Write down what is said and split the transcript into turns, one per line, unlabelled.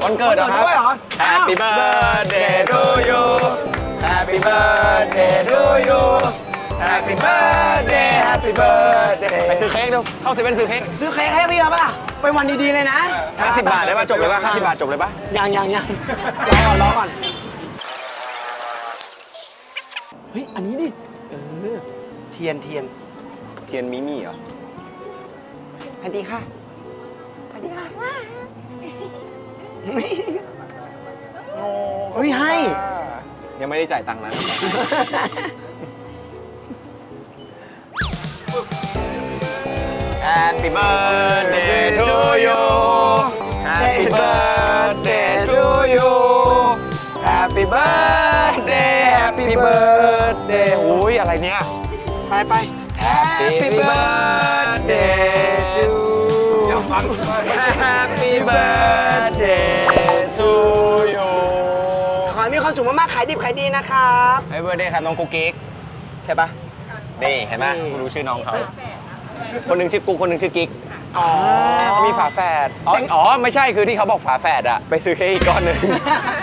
วันเกิดเหรอครับ
ด้วยเหรอ
Happy birthday to you Happy birthday to you Happy birthday Happy birthday ไปซื้อเค้กดูเข้าเซเว่นซื้อเค้ก
ซื้อเค้กให้พี่ป่ะไปวันดีๆเลยนะ
50 บาทได้ป่ะจบเลยป่ะ50 บาทจบเลยป่ะ
ยังรอก่อนเฮ้ยอันนี้ดิเทียน
เทียนมิมี่เหรอ
สวัสดีค่ะสวัสดีค่ะเฮ้ยให้
ยังไม่ได้จ่ายตังค์นะ Happy birthday to you Happy birthday to you Happy birthday Happy birthday โอ้ยอะไรเนี่ย
ไป
Happy birthday to you Happy birthday to you
ขอให้มีความสุขมากๆขายดิบขายดีนะครับ
Happy birthday ครับน้องกุ๊กกิ๊กใช่ปะนี่เห็นไหมกูรู้ชื่อน้องเขาคนหนึ่งชื่อกุ๊กคนหนึ่งชื่อกิ๊กอ๋อมีฝาแฝดอ๋อไม่ใช่คือที่เขาบอกฝาแฝดอะไปซื้อเค้กอีกก้อนหนึ่ง